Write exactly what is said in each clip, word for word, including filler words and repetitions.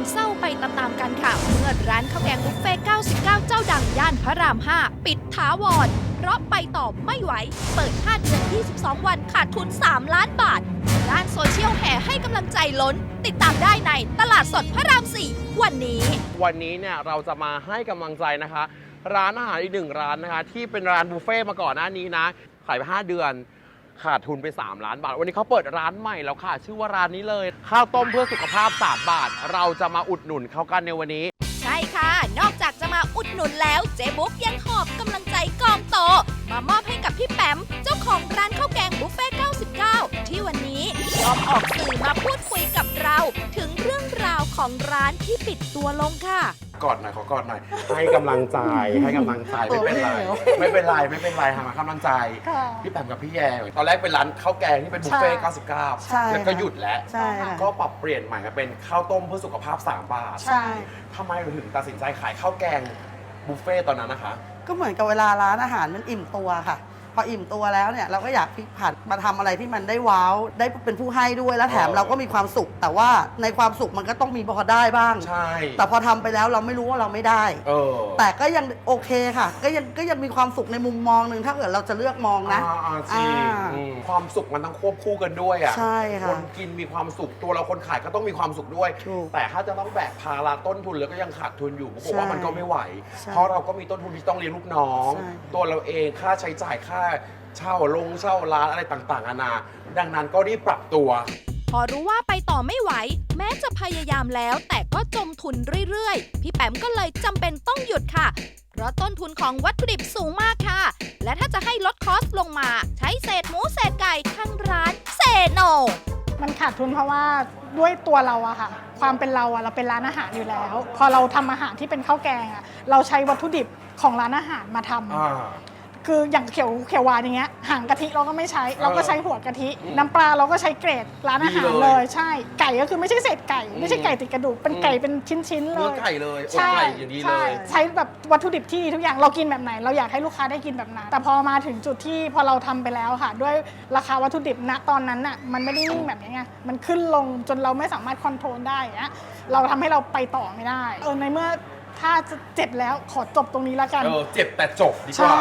เศร้าไปตามๆกันค่ะเมื่อร้านข้าวแกงบุฟเฟ่เก้าสิบเก้า เจ้าดังย่านพระราม ห้า ปิดถาวรเพราะไปต่อไม่ไหว เปิดห้าเดือนยี่สิบสองวันขาดทุน สาม ล้านบาท ด้านโซเชียลแห่ให้กำลังใจล้น ติดตามได้ในตลาดสดพระราม สี่ วันนี้วันนี้เนี่ยเราจะมาให้กำลังใจนะคะ ร้านอาหารอีกหนึ่งร้านนะคะ ที่เป็นร้านบุฟเฟ่มาก่อนหน้านี้นะ ขายไปห้าเดือน ขาดทุนไป สาม ล้านบาท วันนี้เขาเปิดร้านใหม่แล้วค่ะ ชื่อว่าร้านนี้เลย ข้าวต้มเพื่อสุขภาพ สาม บาท เราจะมาอุดหนุนเขากันในวันนี้ใช่ค่ะ นอกจากจะมาอุดหนุนแล้วเจ๊บุ๊กยังหอบกำลังใจกองโต มามอบให้กับพี่แปมเจ้าของร้านข้าวแกงบุฟเฟ่เก้าสิบเก้า ที่วันนี้ยอมออกสื่อมาพูดคุยกับเรา ถึงเรื่องราวของร้านที่ปิดตัวลงค่ะกอดหน่อยขอกอดหน่อย ให้กำลังใจ ให้กำลังใจไม่เป็นไร ไม่เป็นไร ไม่เป็นไรหากำลังใจ พี่แปมกับพี่แยงตอนแรกเป็นร้านข้าวแกงที่เป็นบุฟเฟ่เก้าสิบเก้าใช่แล้วก็หยุดแล้วใช่ค่ะก็ปรับเปลี่ยนใหม่มาเป็นข้าวต้มเพื่อสุขภาพ สาม บาทใช่ทำไมเราถึงตัดสินใจขายข้าวแกงบุฟเฟ่ตอนนั้นนะคะก็เหมือนกับเวลาร้านอาหารมันอิ่มตัวค่ะ พออิ่มตัวแล้วเนี่ยเราก็อยากพลิกผันมาทำอะไรที่มันได้ว้าวได้เป็นผู้ให้ด้วยแล้วแถมเออเราก็มีความสุข แต่ว่าในความสุขมันก็ต้องมีพอได้บ้างใช่แต่พอทำไปแล้วเราไม่รู้ว่าเราไม่ได้เออแต่ก็ยังโอเคค่ะ ก็ยังก็ยังมีความสุขในมุมมองหนึ่งถ้าเกิดเราจะเลือกมองนะอ่าอ่าจริงอ่าอืมความสุขมันต้องควบคู่กันด้วยอ่ะใช่ค่ะคนกินมีความสุขตัวเราคนขายก็ต้องมีความสุขด้วยถูกแต่ถ้าจะต้องแบกภาระต้นทุนแล้วก็ยังขาดทุนอยู่ผมว่ามันก็ไม่ไหวใช่เพราะเราก็มีต้นทุนที่ต้องเลี้ยงลูกน้องใช่ตัวเราเองค่าใช้จ่ายค่าเช่าลงเช่าร้านอะไรต่างๆนานาดังนั้นก็รีบปรับตัวพอรู้ว่าไปต่อไม่ไหว แม้จะพยายามแล้ว แต่ก็จมทุนเรื่อยๆ พี่แปมก็เลยจำเป็นต้องหยุดค่ะ เพราะต้นทุนของวัตถุดิบสูงมากค่ะ และถ้าจะให้ลดคอสลงมา ใช้เศษหมูเศษไก่ทางร้านเซโนมันขาดทุนเพราะว่าด้วยตัวเราอะค่ะ ความเป็นเราอะเราเป็นร้านอาหารอยู่แล้ว พอเราทำอาหารที่เป็นข้าวแกงอะเราใช้วัตถุดิบของร้านอาหารมาทำอ่าคืออย่างเขียวเขียวหวานอย่างเงี้ยหางกะทิเราก็ไม่ใช้เออเราก็ใช้หัวกะทิอืมน้ำปลาเราก็ใช้เกรดร้านอาหารดีเลยเลยใช่ ไก่ก็คือไม่ใช่เศษไก่อืมไม่ใช่ไก่ติดกระดูกเป็นอืมไก่เป็นชิ้นๆเลเนื้อย ไก่เลยอกใช่ไก่อย่างนี้เลใช่ยใช้แบบวัตถุดิบที่ดีทุกอย่างเรากินแบบไหน เราอยากให้ลูกค้าได้กินแบบนั้นแต่พอมาถึงจุดที่พอเราทำไปแล้วค่ะ ด้วยราคาวัตถุดิบณตอนนั้นน่ะมันไม่ได้นิ่งแบบนี้ไงมันขึ้นลงจนเราไม่สามารถคอนโทรลได้อย่างเงี้ยเราทำให้เราไปต่อไม่ได้เออในเมื่อถ้าจะเจ็บแล้วขอจบตรงนี้แล้วกันเออเจ็บแต่จบดีกใช่ว่า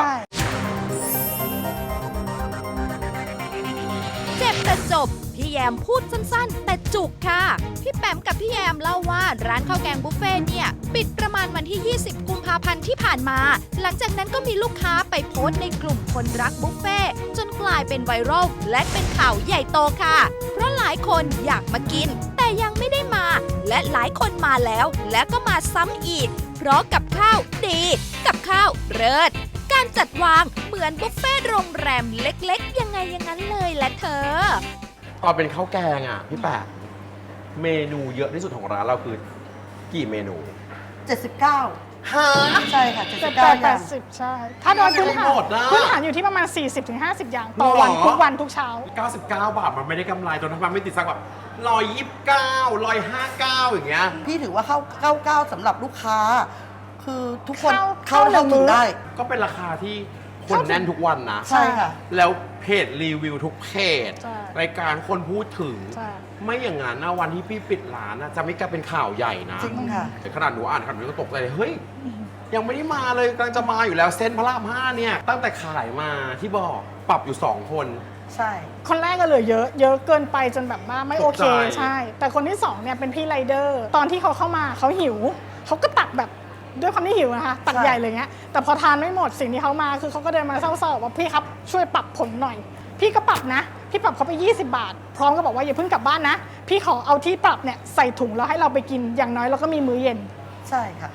เจ็บแต่จบ พี่แยมพูดสั้นๆ แต่จุกค่ะ พี่แปมกับพี่แยมเล่าว่าร้านข้าวแกงบุฟเฟ่เนี่ยปิดประมาณวันที่ ยี่สิบ กุมภาพันธ์ที่ผ่านมา หลังจากนั้นก็มีลูกค้าไปโพสต์ในกลุ่มคนรักบุฟเฟ่จนกลายเป็นไวรัลและเป็นข่าวใหญ่โตค่ะ เพราะหลายคนอยากมากิน แต่ยังไม่ได้มา และหลายคนมาแล้ว และก็มาซ้ำอีก เพราะกับข้าวดี กับข้าวเลิศการจัดวางเหมือนบุฟเฟ่โรงแรมเล็กๆ ยังไงอย่างนั้นเลยแหละเธอตอนเป็นข้าวแกงอ่ะพี่แปะเมนูเยอะที่สุดของร้านเราคือกี่เมนูเจ็ดสิบเก้าฮะใช่ค่ะแต่เจ็ดสิบแปเก้าดอแปย่างดสิบใช่ ถ้าโดยพื้นฐานหมดนะพื้นฐานอยู่ที่ประมาณ สี่สิบถึงห้าสิบ อย่างต่อวันหรอทุกวันทุกเช้าเก้าสิบเก้า บาทมันไม่ได้กำไรจนทำไมไม่ติดสักแบบร้อยยี่สิบเก้าร้อยห้าเก้าอย่างเงี้ยพี่ถือว่าเข้าเข้าเก้าสำหรับลูกค้า คือทุกคนเข้าเข้าเข้าเข้าหนึ่ถึงงมื้อได้ก็เป็นราคาที่คนแน่นทุกวันนะใช่ค่ะแล้วเพจรีวิวทุกเพจใช่รายการคนพูดถึงใช่ไม่อย่างนั้นนะวันที่พี่ปิดร้านนะจะไม่กลายเป็นข่าวใหญ่นะจริงค่ะแต่ขนาดหนูอ่านขนาดนี้ก็ตกใจเลยเฮ้ย ยังไม่ได้มาเลยกำลังจะมาอยู่แล้วเส้นพระรามห้าเนี่ย ตั้งแต่ขายมาที่บอกปรับอยู่สองคนใช่คนแรกก็เหลือเยอะ เยอะเกินไปจนแบบว่าไม่โอเคตกใจใช่ แต่คนที่สองเนี่ยเป็นพี่ไรเดอร์ ตอนที่เขาเข้ามาเขาหิว เขาก็ตักแบบด้วยความที่หิวนะคะ ตักใหญ่เลยเงี้ย แต่พอทานไม่หมดสิ่งที่เขามาคือเขาก็เดินมาเศร้าๆว่าพี่ครับช่วยปรับผมหน่อย พี่ก็ปรับนะ พี่ปรับเขาไปยี่สิบบาท พร้อมก็บอกว่าอย่าเพิ่งกลับบ้านนะ พี่ขอเอาที่ปรับเนี่ยใส่ถุงแล้วให้เราไปกิน อย่างน้อยเราก็มีมื้อเย็นใช่ค่ะ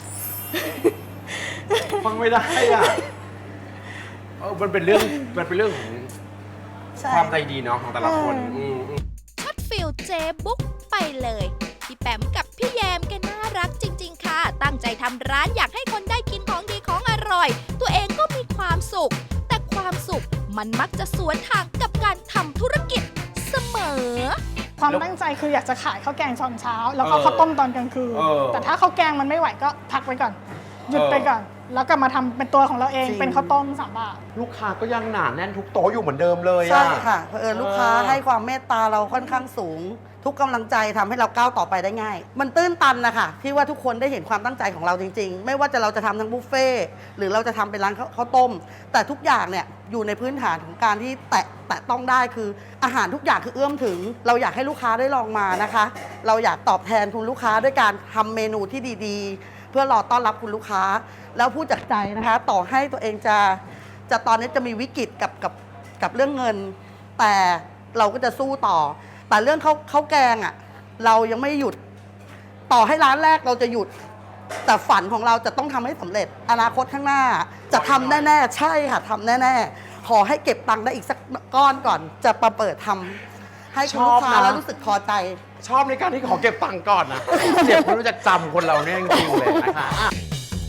ฟังไม่ได้อ่ะเออมันเป็นเรื่องมันเป็นเรื่องของใช่ความใจดีเนาะของแต่ละคนเอออืมอืมช็อตฟิลเจบุ๊กไปเลย พี่แปมกับพี่แยมแกน่ารักจริง ๆ ค่ะ ตั้งใจทำร้านอยากให้คนได้กินของดีของอร่อย ตัวเองก็มีความสุข แต่ความสุขมันมักจะสวนทางกับการทำธุรกิจเสมอความตั้งใจคืออยากจะขายข้าวแกงตอนเช้า แล้วก็เออข้าวต้มตอนกลางคืนเออแต่ถ้าข้าวแกงมันไม่ไหวก็พักไว้ก่อนหยุดไปก่อนแล้วกลับมาทำเป็นตัวของเราเองจริงเป็นข้าวต้มสามบาทลูกค้าก็ยังหนาแน่นทุกโต๊ะอยู่เหมือนเดิมเลยอะใช่ค่ะเผอิญลูกค้าเออให้ความเมตตาเราค่อนข้างสูง ทุกกำลังใจทำให้เราก้าวต่อไปได้ง่าย มันตื้นตันนะคะที่ว่าทุกคนได้เห็นความตั้งใจของเราจริง ๆ ไม่ว่าจะเราจะทำทั้งบุฟเฟ่ต์หรือเราจะทำเป็นร้านข้าวต้ม แต่ทุกอย่างเนี่ยอยู่ในพื้นฐานของการที่แตะแตะต้องได้คืออาหารทุกอย่างคือเอื้อมถึง เราอยากให้ลูกค้าได้ลองมานะคะ เราอยากตอบแทนคุณลูกค้าด้วยการทำเมนูที่ดีๆ เพื่อรอต้อนรับคุณลูกค้า แล้วพูดจากใจนะคะ ต่อให้ตัวเองจะจะตอนนี้จะมีวิกฤตกับกับกับเรื่องเงิน แต่เราก็จะสู้ต่อ แต่เรื่องข้าวข้าวแกงอ่ะเรายังไม่หยุด ต่อให้ร้านแรกเราจะหยุด แต่ฝันของเราจะต้องทำให้สำเร็จ อนาคตข้างหน้า จะทำแน่ๆ ใช่ค่ะทำแน่ๆ ขอให้เก็บตังค์ได้อีกสักก้อนก่อน จะมาเปิดทำให้คุณลูกค้าแล้วรู้สึกพอใจชอบในการที่ขอเก็บตังค์ก่อนนะเจ็บไม่รู้จักจำคนเราเนี่ยจริงๆเลยนะคะอ่ะ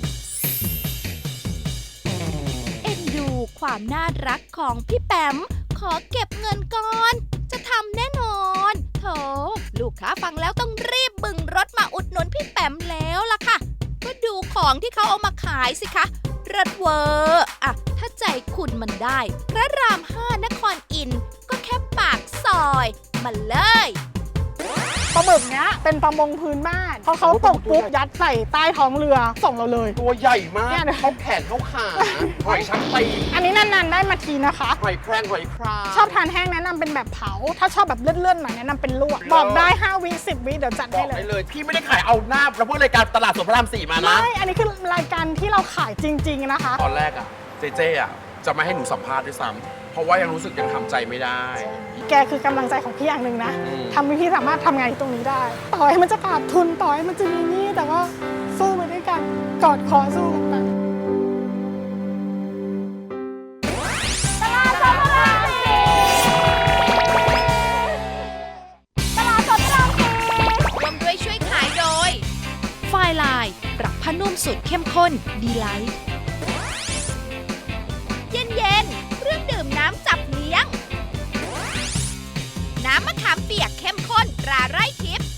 เอ็นดูความน่ารักของพี่แปมขอเก็บเงินก่อน จะทำแน่นอนโถลูกค้าฟังแล้วต้องรีบบึงรถมาอุดหนุนพี่แปมแล้วล่ะค่ะก็ดูของที่เขาเอามาขายสิคะรถเวอร์อะถ้าใจคุณมันได้พระรามห้านครอินทร์ก็แค่ปากซอยมาเลยปลาหมึกเนี้ยเป็นประมงพื้นบ้านพอเขาตกปุ๊บยัดใส่ใต้ท้องเรือส่งเราเลยตัวใหญ่มากเนี่ยนะเขาแขนเขาขาหอยชักตีอันนี้นานๆได้มาทีนะคะหอยแครงหอยครางชอบทานแห้งแนะนำเป็นแบบเผา ถ้าชอบแบบเลื่อนๆหน่อยแนะนำเป็นลวก บอกได้ห้าวิสิบวิเดี๋ยวจัดบอให้กเลได้ยเลย พี่ไม่ได้ขายเอาหน้าแล้วพูดรายการตลาดสดพระรามสี่มานะไม่ อันนี้คือรายการที่เราขายจริง ๆนะคะตอนแรกอะเจเจอะจะไม่ให้หนูสัมภาษณ์ด้วยซ้ำเพราะว่ายังรู้สึกยังทำใจไม่ได้แกคือกำลังใจของพี่อย่างหนึ่งนะอืมทำให้พี่สามารถทำงานตรงนี้ได้ ต่อให้มันจะขาดทุนต่อให้มันจะมีหนี้แต่ว่าสู้ไปด้วยกันกอดคอสู้กันไปร่วมด้วยช่วยขายโดย ไฟลายปรับผ้านุ่มสูตรเข้มข้นดีไลท์เย็นเย็นๆเครื่องดื่มน้ำจับเลี้ยง น้ำมะขามเปียกเข้มข้นตราไร่ทิพย์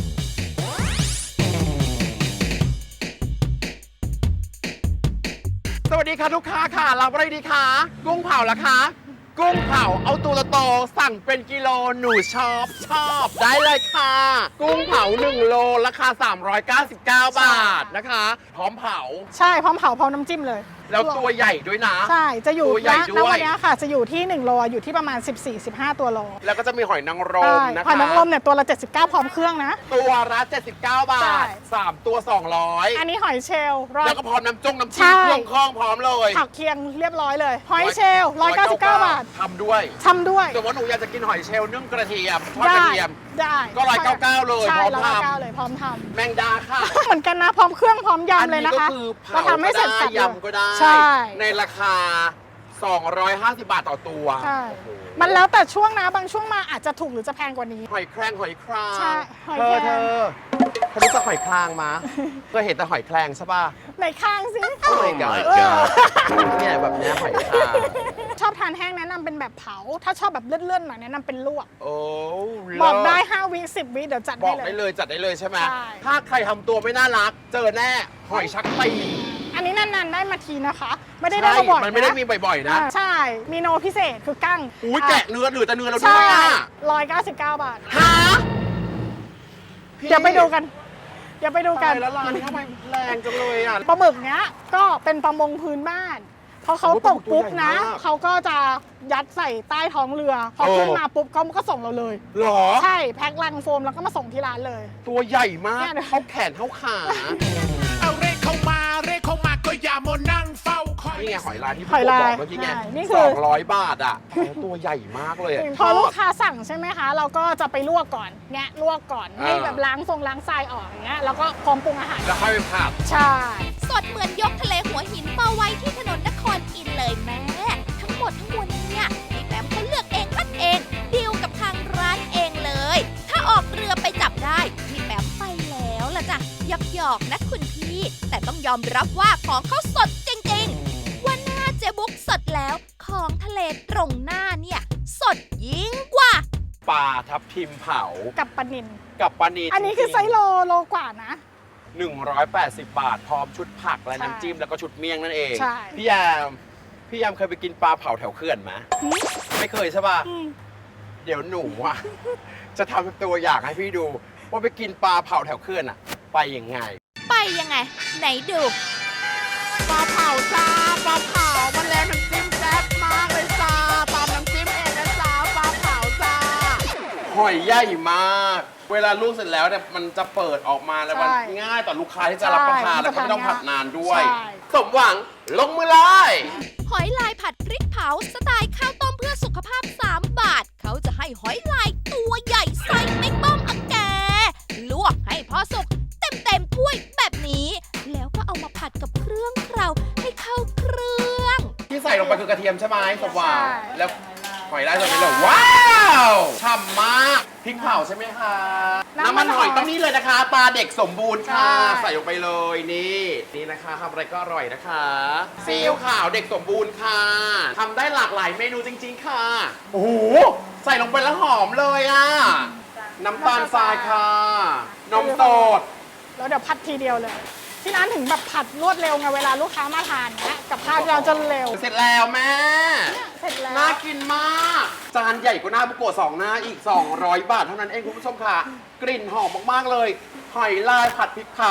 สวัสดีค่ะลูกค้าค่ะรับอะไรดีคะกุ้งเผาละคะ กุ้งเผาเอาตัวละโตสั่งเป็นกิโลหนูชอบชอบได้เลยค่ะ กุ้งเผาหนึ่งโลราคาสามร้อยเก้าสิบเก้าบาทนะคะ พร้อมเผาใช่พร้อมเผาพร้อมน้ำจิ้มเลยแล้วตัวใหญ่ด้วยนะใช่ จะอยู่ตัวใหญ่ณด้วยณวันนี้ค่ะ จะอยู่ที่หนึ่งโลอยู่ที่ประมาณ สิบสี่สิบห้า ตัวโลแล้วก็จะมีหอยนางรใช่มนะคะหอยนางรมเนี่ยตัวละเจ็ดสิบเก้าพร้อมเครื่องนะตัวละเจ็ดสิบเก้าบาใช่ทสามตัวสองร้อยอันนี้หอยเชลล์ร้อยแล้วก็พร้อมน้ำจงน้ำใช่จิ้มเครื่องข้องพร้อมเลยผักเคียงเรียบร้อยเลย หอยเชลล์ร้อยเก้าสิบเก้าบาททำด้วยทำด้วยสมมติหนูอยากจะกินหอยเชลล์นึ่งกระเทียมทอดได้กระเทียมได้ก็ร้อยเก้าเก้าเลยใช่พร้อมร้อยทำเก้าเลยพร้อมทแมงดาค่ะำ เหมือนกันนะพร้อมเครื่องพร้อมยำเลยนะคะอันนี้ก็คือเราเผาทำให้ก็เสร็จได้สับเลยยำก็ได้ใช่ในราคา สองร้อยห้าสิบบาทต่อตัวใช่โอ้โหมันแล้วแต่ช่วงนะบางช่วงมาอาจจะถูกหรือจะแพงกว่านี้หอยแครงหอยครางใช่หอยเธแครอง เธอเธอรู้จักหอยครางมาเคยเห็นแต่หอยแครงใช่ป่ะไหนข้างสิโอ้ my god เออเนี่ยแบบเนี้ยหอยครางชอบทานแห้งแนะนำเป็นแบบเผา ถ้าชอบแบบเลื่อนๆหน่อยแนะนำเป็นลวกโอ้บอกได้เลิศห้าวิสิบวิเดี๋ยวจัดบให้อกเลได้ยเลยจัดได้เลยใช่ไหมใช่ถ้าใครทำตัวไม่น่ารัก เจอแน่หอยชักตีอันนี้นานๆได้มาทีนะคะ ไม่ได้ได้มาบ่อยมันไม่ได้นะมีบ่อยๆนะอ่าใช่ มีโนพิเศษคือกั้งอุ้ยแกะเนื้อเหลือแต่เนื้อเราด้ใช่วยอ่ะร้อยเก้าสิบเก้าบาทฮะเดี๋ยวไปดูกัน เดี๋ยวไปดูกันตายแล้วร้านนี้ทำไมแรงจังเลยอ่ะปลาหมึกเนี้ยก็เป็นประมงพื้นบ้าน พอเขาตกปุ๊บนะตัวใหญ่มากเขาก็จะยัดใส่ใต้ท้องเรือ พอโอ้ขึ้นมาปุ๊บเขาก็ส่งเราเลยหรอใช่แพ็คลังโฟมแล้วก็มาส่งที่ร้านเลยตัวใหญ่มากเนี่ยนะเขาแขนเขาขาเอาเรขเข้ามาเรขเข้ามาก็อย่ามานั่งเฝ้าคอยนี่ไงหอยลายที่หพี่อยโกลายบอกเมื่อกี้ไงใช่นี่คืสอองร้อยบาทอ่ะโอ้ตัวใหญ่มากเลยอะพอลูกค้าสั่งใช่ไหมคะ เราก็จะไปลวกก่อนแงะลวกก่อนอ่าให้แบบล้างทรงล้างทรายออกอย่างเงี้ยแล้วก็พร้อมปรุงอาหารแล้วค่อยไปผัดใช่สดเหมือนยกทะเลหัวหินมาไว้ที่ถนนนครอินทร์เลยแม่ ทั้งหมดทั้งมวลเนี่ยพี่แปมเขาเลือกเองคัดเองดีลกับทางร้านเองเลย ถ้าออกเรือไปจับได้พี่แปมไปแล้วล่ะจ้ะหยอกหยอกๆนะคุณพี่ แต่ต้องยอมรับว่าของเขาสดจริงๆวันหน้าเจ๊บุ๊กสดแล้วของทะเลตรงหน้าเนี่ยสดยิ่งกว่าปลาทับทิมเผากับปลานินกับปลานีอันนี้คือไซส์โลโลกว่านะหนึ่งร้อยแปดสิบบาท พร้อมชุดผักและใช่น้ำจิ้มแล้วก็ชุดเมี่ยงนั่นเองใช่พี่ยาม พี่ยามเคยไปกินปลาเผาแถวเขื่อนไหมไม่เคยใช่ป่ะ เดี๋ยวหนูอ่ะ จะทำตัวอย่างให้พี่ดู ว่าไปกินปลาเผาแถวเขื่อนอ่ะ ไปยังไงไปยังไง ไหนดูปลาเผาจ้าปลาเผามันแล้วน้ำจิ้มแซ่บมากเลยจ้าตามน้ำจิ้มเองนะจ้าปลาเผาจ้าหอยใหญ่มาก เวลาลวกเสร็จแล้วเนี่ยมันจะเปิดออกมาแล้วมันใช่ง่ายต่อลูกค้าที่จะรับประทานใช่แล้วก็ไม่ต้องผัดนานด้วยใช่สมหวังลงมือเลยหอยลายผัดพริกเผาสไตล์ข้าวต้มเพื่อสุขภาพ สาม บาท เขาจะให้หอยลายตัวใหญ่ใส่ไม่ต้มอังแก ลวกให้พอสุกเต็มเต็มๆถ้วยแบบนี้ แล้วก็เอามาผัดกับเครื่องเคราให้เข้าเครื่องที่ใส่ลงไปคือกระเทียมใช่ไหมสมหวังใช่แล้วหอยลายใส่ไปเลยว้าวฉ่ำมากพริกเผาใช่ไหมคะน้ำมันหอยต้องนี่เลยนะคะตาเด็กสมบูรณ์ค่ะ ใส่ลงไปเลยนี่นี่นะคะทำอะไรก็อร่อยนะคะซีอิ๊วขาวเด็กสมบูรณ์ค่ะทำได้หลากหลายเมนูจริง ๆ ค่ะโอ้โหใส่ลงไปแล้วหอมเลยอ่ะน้ำตาลทรายค่ะนมสดแล้วเดี๋ยวผัดทีเดียวเลย ที่ร้านถึงแบบผัดรวดเร็วไงเวลาลูกค้ามาทานเนี้ยกับข้าวที่เราจะเร็วเสร็จแล้วแม่เสร็จแล้วน่ากินมาก จานใหญ่กว่าหน้าบุโกะสองหน้าอีก สองร้อยบาทเท่านั้นเองคุณผู้ชมค่ะ กลิ่นหอมมาก ๆ เลย หอยลายผัดพริกเผา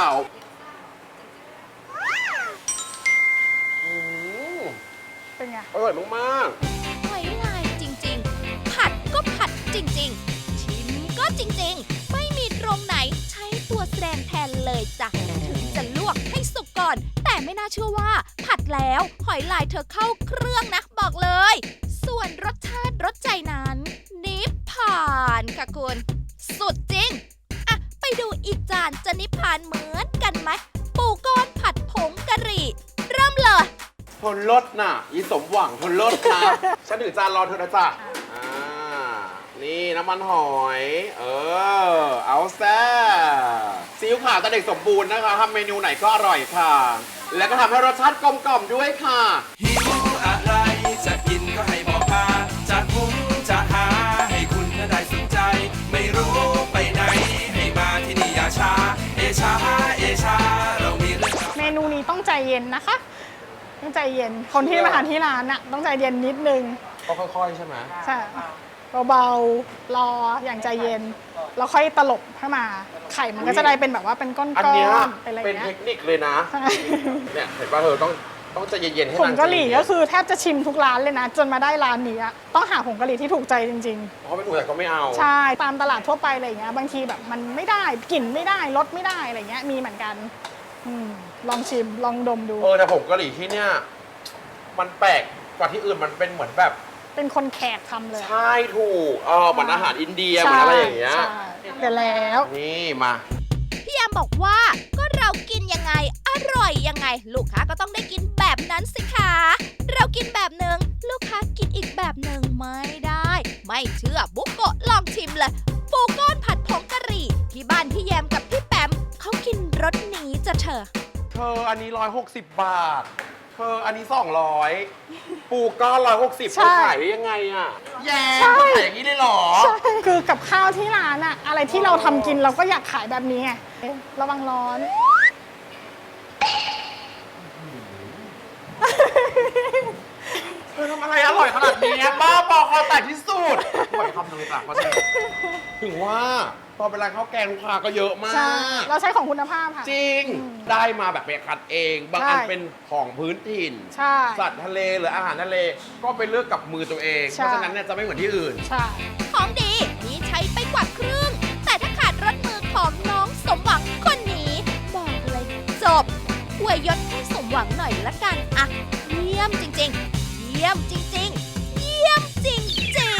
อืมเป็นไงอร่อยมากหอยลายจริงๆ ผัดก็ผัดจริงๆ ชิมก็จริงๆ ไม่มีตรงไหนใช้ตัวแสดงแทนเลยจ้ะ ถึงจะลวกให้สุกก่อน แต่ไม่น่าเชื่อว่า ผัดแล้วหอยลายเธอเข้าเครื่องนะบอกเลย ส่วนรสชาติรสใจนั้น นิพพานค่ะคุณ สุดจริง อ่ะ ไปดูอีกจานจะนิพพานเหมือนกันไหม ปูก้อนผัดผงกะหรี่ เริ่มเลยๆทนรสน่ะอีสมหวังทนรสครับ ฉันถือจานรอเธอนะจ๊ะอ่านี่น้ำมันหอย เออ เอาแซ่ซีอิ๊วขาวตาเด็กสมบูรณ์นะคะทำเมนูไหนก็อร่อยค่ะ แล้วก็ทำให้รสชาติกลมกล่อมด้วยค่ะหิวอะไรจะกินก็ให้บอกมาจะหุงจะหาให้คุณน่ะได้สนใจ ไม่รู้ไปไหนให้มาที่นี่อย่าช้า เอชาเอชาเรามีเรื่องราวเมนูนี้ต้องใจเย็นนะคะ ต้องใจเย็น คนที่มาทานที่ร้านน่ะต้องใจเย็นนิดนึงก็ค่อยๆ ใช่ไหมใช่เบาๆ รออย่างใจเย็น แล้วค่อยตลบให้มา ไข่มันก็จะได้เป็นแบบว่าเป็นก้อนอันๆเนี้ยเป็นอะไรเป็นเงี้เทยคนิคเลยนะใช่เนี่ยเห็นป่ะเธอต้องต้องใจเย็นๆให้ผงนางกะหรี่ใจเย็นๆก็คือแทบจะชิมทุกร้านเลยนะ จนมาได้ร้านนี้อะต้องหาผงกะหรี่ที่ถูกใจจริงเพราะไม่ถูกแต่ก็ไม่เอาๆ ใช่ ตามตลาดทั่วไปอะไรอย่างเงี้ย บางทีแบบมันไม่ได้กลิ่นไม่ได้รสไม่ได้อะไรเงี้ย มีเหมือนกันอืมลองชิมลองดมดูเออแต่ผงกะหรี่ที่เนี่ยมันแปลกกว่าที่อื่นมันเป็นเหมือนแบบเป็นคนแขกทำเลยใช่ถูกเออเหมือนอาหารอินเดียเหมือนอะไรอย่างเงี้ยใช่เดี๋ยวแล้วนี่มาพี่แอมบอกว่าก็เรากินยังไง อร่อยยังไง ลูกค้าก็ต้องได้กินแบบนั้นสิคะเรากินแบบหนึ่งลูกค้ากินอีกแบบหนึ่งไม่ได้ ไม่เชื่อบุกโกะลองชิมเลยปูก้อนผัดผงกะหรี่ ที่บ้านพี่แยมกับพี่แปมเขากินรสนี้จะเธอเธออันนี้ร้อยหกสิบบาท เธออันนี้สองร้อยปูก้อนร้อยหกสิบใช่เธอขายได้ยังไงอ่ะแย่ใช่ขายอย่างนี้เลยเหรอใช่คือกับข้าวที่ร้านอะอะไรที่เราทำกินเราก็อยากขายแบบนี้ไงเอ๊ะระวังร้อนเธอทำอะไรอร่อยขนาดนี้บ้าบอคอแตกที่สุดปล่อยคำหนึ่งเลยจ้ะเพราะฉะนั้นถึงว่าตอนเป็นร้านข้าวแกงลูกค้าก็เยอะมาใช่กเราใช้ของคุณภาพค่ะจริง ได้มาแบบไปคัดเอง บางใช่อันเป็นของพื้นถิ่นใช่สัตว์ทะเลหรืออาหารทะเล ก็ไปเลือกกับมือตัวเองใช่เพราะฉะนั้นเนี่ยจะไม่เหมือนที่อื่นใช่ของดีมีใช้ไปกว่าครึ่ง แต่ถ้าขาดรสมือของน้องสมหวังคนนี้ บอกเลยจบอวยยศให้สมหวังหน่อยละกันอะเยี่ยมจริงๆ เยี่ยมจริงๆ เยี่ยมจริง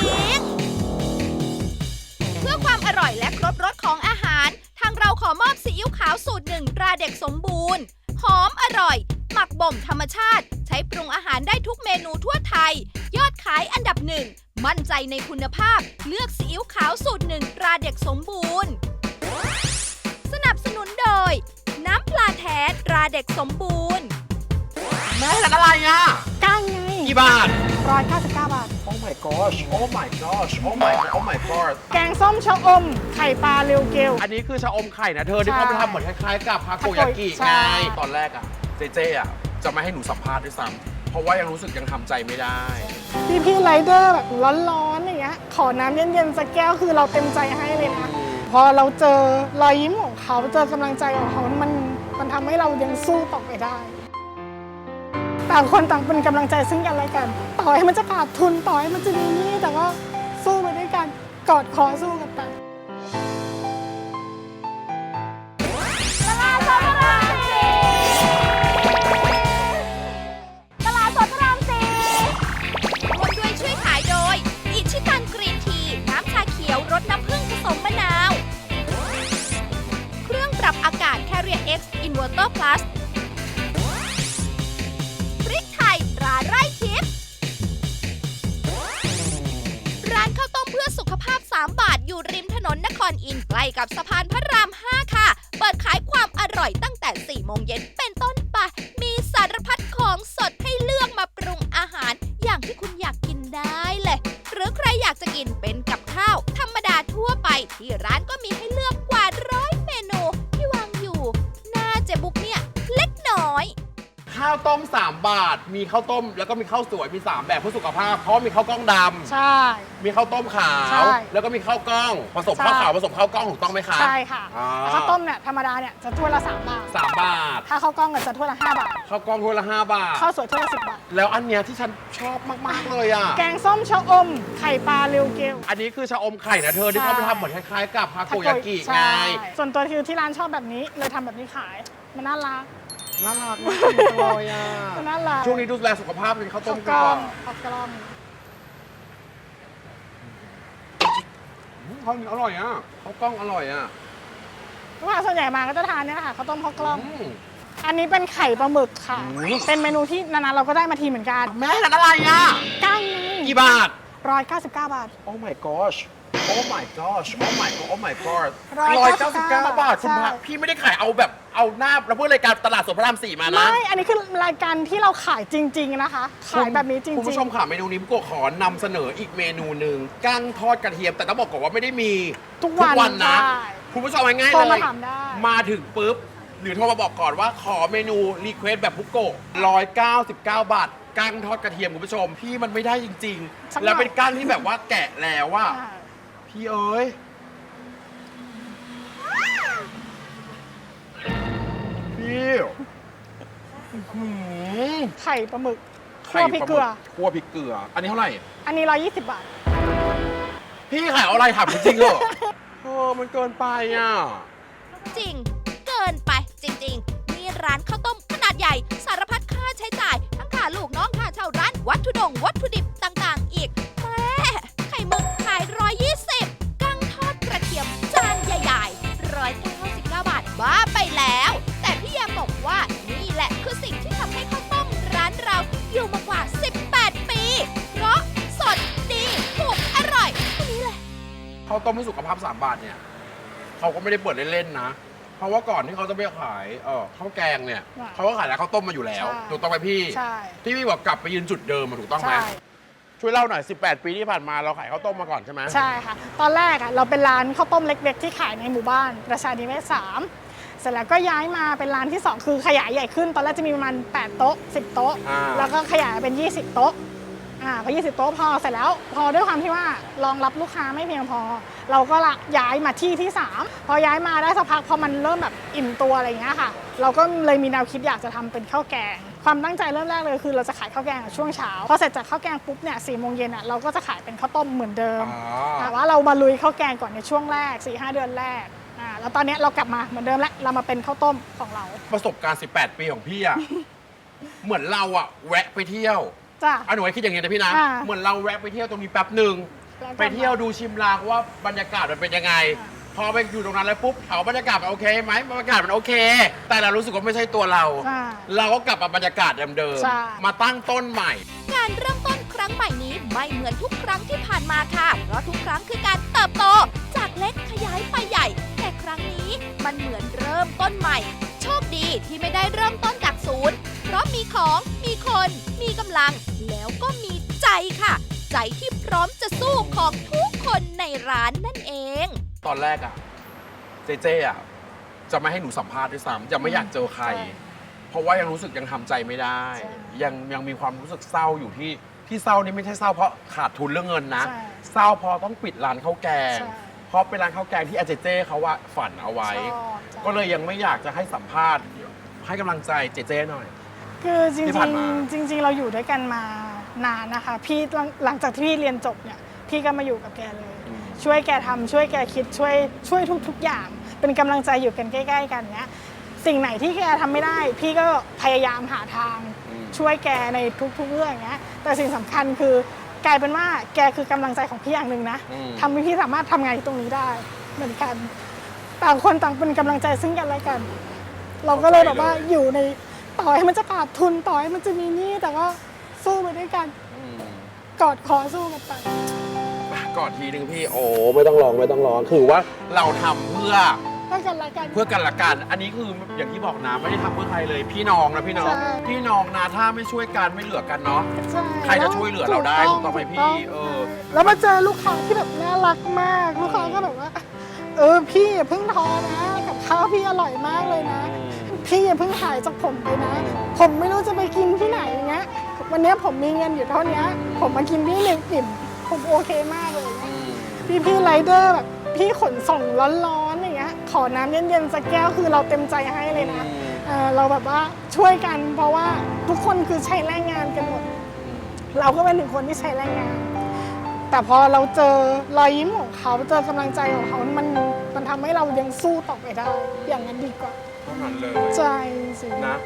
ๆ เพื่อความอร่อยและครบรสของอาหาร ทางเราขอมอบซีอิ๊วขาวสูตรหนึ่งตราเด็กสมบูรณ์ หอมอร่อย หมักบ่มธรรมชาติ ใช้ปรุงอาหารได้ทุกเมนูทั่วไทย ยอดขายอันดับหนึ่ง มั่นใจในคุณภาพ เลือกซีอิ๊วขาวสูตรหนึ่งตราเด็กสมบูรณ์ สนับสนุนโดย น้ำปลาแท้ตราเด็กสมบูรณ์แม่ร้านอะไรอ่ะก้างไงกี่บาทร้อยเก้าสิบเก้าบาท Oh my gosh Oh my gosh Oh my Oh my god แกงส้มชะอม ไข่ปลาเรียวเกลอันนี้คือชะอมไข่นะเธอที่ใช่เขาไปทำเหมือนคล้ายๆกับฮาโกยากิใช่ไง ตอนแรกอ่ะ เจเจอ่ะ จะไม่ให้หนูสัมภาษณ์ด้วยซ้ำเพราะว่ายังรู้สึกยังทำใจไม่ได้พี่พี่ไรเดอร์แบบร้อนๆอย่างเงี้ยขอน้ำเย็นๆสักแก้วคือเราเต็มใจให้เลยนะ พอเราเจอรอยยิ้มของเขาเจอกำลังใจของเขามันมันทำให้เรายังสู้ต่อไปได้ ต่างคนต่างเป็นกำลังใจซึ่งกันและกัน ต่อให้มันจะขาดทุนต่อให้มันจะมีหนี้แต่ว่าสู้ไปด้วยกันกอดคอสู้กันไปตลาดสดพระรามสี่ตลาดสดพระรามสี่ร่วมด้วยช่วยขายโดย อิชิตันกรีนที น้ำชาเขียวรสน้ำผึ้งผสมมะนาว เครื่องปรับอากาศ Carrier X Inverter Plus พริกไทยตราไร่ทิพย์ร้านข้าวต้มเพื่อสุขภาพ สาม บาทอยู่ริมถนนนครอินทร์ใกล้กับสะพานพระราม ห้า ค่ะ เปิดขายความอร่อยตั้งแต่ สี่ โมงเย็นเป็นต้นไป มีสารพัดของสดให้เลือกมาปรุงอาหารอย่างที่คุณอยากกินได้เลย หรือใครอยากจะกินเป็นกับข้าว ธรรมดาทั่วไป ที่ร้านก็มีให้เลือกกว่าร้อยเมนูที่วางอยู่หน้าเจ๊บุ๊กเนี่ยเล็กน้อยข้าวต้ม สาม บาท มีข้าวต้มแล้วก็มีข้าวสวย มี สาม แบบเพื่อสุขภาพ เพราะมีข้าวกล้องดำใช่มีข้าวต้มขาใช่ว แล้วก็มีข้าวกล้อง ผสมใช่ข้าวขาวผสมข้าวกล้องถูกต้องไหมคะใช่ค่ะอ่าข้าวต้มเนี่ยธรรมดาเนี่ยจะถ้วยละสามบาทสามบาทถ้าข้าวกล้องก็จะถ้วยละห้าบาทข้าวกล้องถ้วยละห้าบาทข้าวสวยถ้วยละสิบบาทแล้วอันเนี้ยที่ฉันชอบมากๆเลยอ่ะแกงส้มชะอม ไข่ปลาเรียวเกลอันนี้คือชะอมไข่นะเธอที่เขาไปทำเหมือนคล้ายๆกับฮาโกยากิไงใช่ส่วนตัวคือที่ร้านชอบแบบนี้เลยทำแบบนี้ขาย มันน่ารักน่ารักมากเลยอ่ะมันน่ารักช่วงนี้ดูแลสุขภาพเป็นข้าวต้ข้าม วกักนล้ก่ออง นข้าวกล้องอืมข้าวเหนียวอร่อยอ่ะข้าวกล้องอร่อยอ่ะลูกค้าส่วนใหญ่มาก็จะทานเนี่ยค่ะข้าวต้มข้าวกล้องอืมอันนี้เป็นไข่ปลาหมึกค่ะอืมเป็นเมนูที่นานๆเราก็ได้มาทีเหมือนกันแม่ร้านอะไรอ่ะก้างไงกี่บาทร้อยเก้าสิบเก้าบาท Oh my gosh Oh my gosh Oh my god Oh my god ร้อยร้อยเก้าเก้าสิสิบบ เก้าเก้าบาทคุณพระใช่พี่ไม่ได้ขายเอาแบบเอาหน้าเราเพื่อรายการตลาดสดพระรามสี่มานะไม่ อันนี้คือรายการที่เราขายจริง ๆนะคะ ขายแบบนี้จริงๆคุณผู้ชมค่ะเมนูนี้พี่โกขอนำเสนออีกเมนูหนึ่งกั้งทอดกระเทียม แต่ต้องบอกก่อนว่าไม่ได้มีทุกวันนะใช่คุณผู้ชมง่ายๆโทรเลมาย ถามได้มาถึงปุ๊บ หรือโทรมาบอกก่อนว่าขอเมนูรีเควสแบบพุกโกร้อยเก้าสิบเก้าบาทกั้งทอดกระเทียมคุณผู้ชม พี่มันไม่ได้จริงสักหน่อยๆแล้วเป็นกั้งที่แบบว่าแกะแล้วว่าอ่าพี่เอ๋ยพี่อื้อหือไข่ปลาหมึกคั่วพริกเกลือคั่วพริกเกลือ อันนี้เท่าไหร่อันนี้ร้อยยี่สิบบาทพี่ขายเอาอะไรถามจริงๆเหรอ เออมันเกินไปอ่ะจริง เกินไปจริงๆ นี่ร้านข้าวต้มขนาดใหญ่ สารพัดค่าใช้จ่าย ทั้งค่าลูกน้องค่าเช่าร้าน วัตถุดง วัตถุดิบต่างๆ อีกแม่ไข่หมึกขายร้อยยี่สิบกั้งทอดกระเทียมจานใหญ่ๆร้อยเก้าสิบเก้าบาทบ้าไปแล้ว แต่พี่แยมบอกว่านี่แหละคือสิ่งที่ทำให้ข้าวต้มร้านเราอยู่มากว่า สิบแปด ปี เพราะสดดีถูกอร่อยเท่านี้เลยข้าวต้มให้สุขภาพสามบาทเนี่ยเขาก็ไม่ได้เปิดเล่นๆนะ เพราะว่าก่อนที่เขาจะไปขายเออข้าวแกงเนี่ยอ่ะเขาก็ขายแล้วข้าวต้มมาอยู่แล้วใช่ถูกต้องไหมพี่ใช่ที่พี่บอกกลับไปยืนจุดเดิมอะถูกต้องไหมใช่ช่วยเล่าหน่อย สิบแปด ปีที่ผ่านมาเราขายข้าวต้มมาก่อนใช่ไหมใช่ค่ะ ตอนแรกอ่ะเราเป็นร้านข้าวต้มเล็ก ๆ ที่ขายในหมู่บ้านประชานิเวศสามเสร็จแล้วก็ย้ายมาเป็นร้านที่สองคือขยายใหญ่ขึ้น ตอนแรกจะมีประมาณแปดโต๊ะสิบโต๊ะอ่าแล้วก็ขยายเป็นยี่สิบโต๊ะอ่าพอยี่สิบโต๊ะพอเสร็จแล้ว พอด้วยความที่ว่ารองรับลูกค้าไม่เพียงพอ เราก็ละย้ายมาที่ที่สามพอย้ายมาได้สักพักพอมันเริ่มแบบอิ่มตัวอะไรอย่างเงี้ยค่ะ เราก็เลยมีแนวคิดอยากจะทำเป็นข้าวแกง ความตั้งใจเริ่มแรกเลยคือเราจะขายข้าวแกงช่วงเช้าพอเสร็จจากข้าวแกงปุ๊บเนี่ยสี่โมงเย็นอ่ะเราก็จะขายเป็นข้าวต้มเหมือนเดิมอ๋อแต่ว่าเรามาลุยข้าวแกงก่อนในช่วงแรก สี่ห้า เดือนแรกอ่าแล้วตอนเนี้ยเรากลับมาเหมือนเดิมแล้วเรามาเป็นข้าวต้มของเราประสบการณ์ สิบแปด ปีของพี่อะ เหมือนเราอะแวะไปเที่ยวจ้ะอ่ะหนูไว้คิดอย่างนี้นะพี่นะอ่าเหมือนเราแวะไปเที่ยวตรงนี้แป๊บหนึ่งแล้วก็ไปเที่ยวดูชิมลางว่าบรรยากาศมันเป็นยังไงอ่าพอไปอยู่ตรงนั้นแล้วปุ๊บเอาบรรยากาศมันโอเคไหมบรรยากาศมันโอเค แต่เรารู้สึกว่าไม่ใช่ตัวเราใช่เราก็กลับมาบรรยากาศเดิมใช่ๆมาตั้งต้นใหม่การเริ่มต้นครั้งใหม่นี้ไม่เหมือนทุกครั้งที่ผ่านมาค่ะ เพราะทุกครั้งคือการเติบโต จากเล็กขยายไปใหญ่ แต่ครั้งนี้มันเหมือนเริ่มต้นใหม่ โชคดีที่ไม่ได้เริ่มต้นจากศูนย์เพราะมีของมีคนมีกำลัง แล้วก็มีใจค่ะ ใจที่พร้อมจะสู้ของทุกคนในร้านนั่นเองตอนแรกอะเจเจอะจะไม่ให้หนูสัมภาษณ์ด้วยซ้ำจะไม่อยากเจอใครใช่เพราะว่ายังรู้สึกยังทำใจไม่ได้ใช่ยังยังมีความรู้สึกเศร้าอยู่ที่ที่เศร้านี่ไม่ใช่เศร้าเพราะขาดทุนเรื่องเงินนะใช่เศร้าเพราะต้องปิดร้านข้าวแกงใช่เพราะเป็นร้านข้าวแกงที่อาเจเจเขาว่าฝันเอาไว้ชอบจ้ะก็เลยยังไม่อยากจะให้สัมภาษณ์ให้กำลังใจเจเจหน่อยคือจริที่งผ่านมาๆจริง ๆ เราอยู่ด้วยกันมานานนะคะ พี่หลังหลังจากที่พี่เรียนจบเนี่ยพี่ก็มาอยู่กับแกเลย ช่วยแกทำช่วยแกคิดช่วยช่วยทุก ๆ อย่าง เป็นกำลังใจอยู่กันใกล้ ๆ กันเนี้ยสิ่งไหนที่แกทำไม่ได้ พี่ก็พยายามหาทางอืมช่วยแกในทุก ๆ เรื่องเนี้ยแต่สิ่งสำคัญคือกลายเป็นว่าแกคือกำลังใจของพี่อย่างหนึ่งนะอืมทำให้พี่สามารถทำงานที่ตรงนี้ได้เหมือนกันต่างคนต่างเป็นกำลังใจซึ่งกันและกัน เราก็เลยแบบว่าอยู่ในต่อให้มันจะขาดทุนต่อให้มันจะมีหนี้แต่ก็สู้ไปด้วยกันอืมกอดคอสู้กันไปกอดทีนึงพี่โอ้ไม่ต้องร้องไม่ต้องร้องคือว่าเราทำเพื่อเพื่อกันและกันเพื่อกันละกัน อันนี้คืออย่างที่บอกนะไม่ได้ทำเพื่อใครเลย พี่น้องนะพี่น้องใช่พี่น้องนะถ้าไม่ช่วยกันไม่เหลือกันเนาะใช่ใครจะช่วยเหลือเราได้ถูกต้องไหมพี่เออแล้วมาเจอลูกค้าที่แบบน่ารักมาก ลูกค้าก็แบบว่า เออพี่อย่าเพิ่งท้อนะกับข้าวพี่อร่อยมากเลยนะ พี่อย่าเพิ่งหายจากผมไปนะ ผมไม่รู้จะไปกินที่ไหนอย่างเงี้ยวันนี้ผมมีเงินอยู่เท่านี้ผมมากินที่หนึ่งอิ่มผมโอเคมากเลย พี่พี่ไรเดอร์แบบพี่ขนส่งร้อนๆอย่างเงี้ยขอน้ำเย็นๆสักแก้วคือเราเต็มใจให้เลยนะเออเราแบบว่าช่วยกันเพราะว่าทุกคนคือใช้แรงงานกันหมด เราก็เป็นหนึ่งคนที่ใช้แรงงาน แต่พอเราเจอรอยยิ้มของเขาเจอกำลังใจของเขา มันมันทำให้เรายังสู้ต่อไปได้ อย่างนั้นดีกว่าเท่านั้นเลยใช่จริงนะ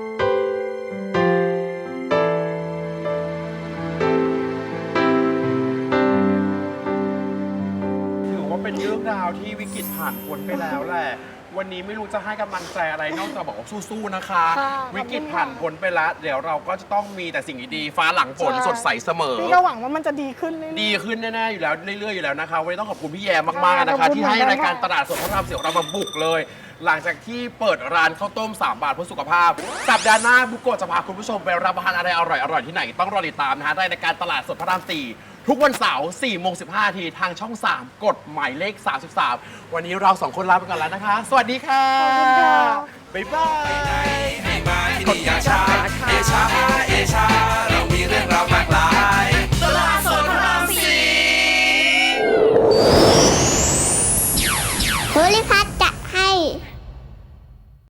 ถือว่าเป็นเรื่องราวที่วิกฤตผ่านพ้นไปแล้วแหละ วันนี้ไม่รู้จะให้กำลังใจอะไรนอกจากบอกว่าสู้ๆนะคะค่ะวิกฤตผ่านพ้นไปแล้ว เดี๋ยวเราก็จะต้องมีแต่สิ่งดีๆฟ้าหลังฝนใช่สดใสเสมอพี่ก็หวังว่ามันจะดีขึ้นเรื่อยๆดีขึ้นแน่ๆอยู่แล้วเรื่อยๆอยู่แล้วนะคะวันนี้ต้องขอบคุณพี่แยมมากๆนะขอคะบคุณที่ให้เหมือนกันรายการค่ะตลาดสดพระรามสี่ของเรามาบุกเลย หลังจากที่เปิดร้านข้าวต้ม สาม บาทเพื่อสุขภาพ สัปดาห์หน้าบุกโกะจะพาคุณผู้ชมไปรับประทานอะไรอร่อยๆที่ไหนต้องรอติดตามนะฮะในรายการตลาดสดพระรามสี่ทุกวันเสาร์สี่โมงสิบห้านาทีทางช่อง สาม กดหมายเลขสามสิบสามวันนี้เราสองคนลาไปก่อนแล้วนะคะ สวัสดีค่ะขอบคุณค่ะบ๊ายบายให้มาที่นี่อย่าช้าเอชาเอชาเรา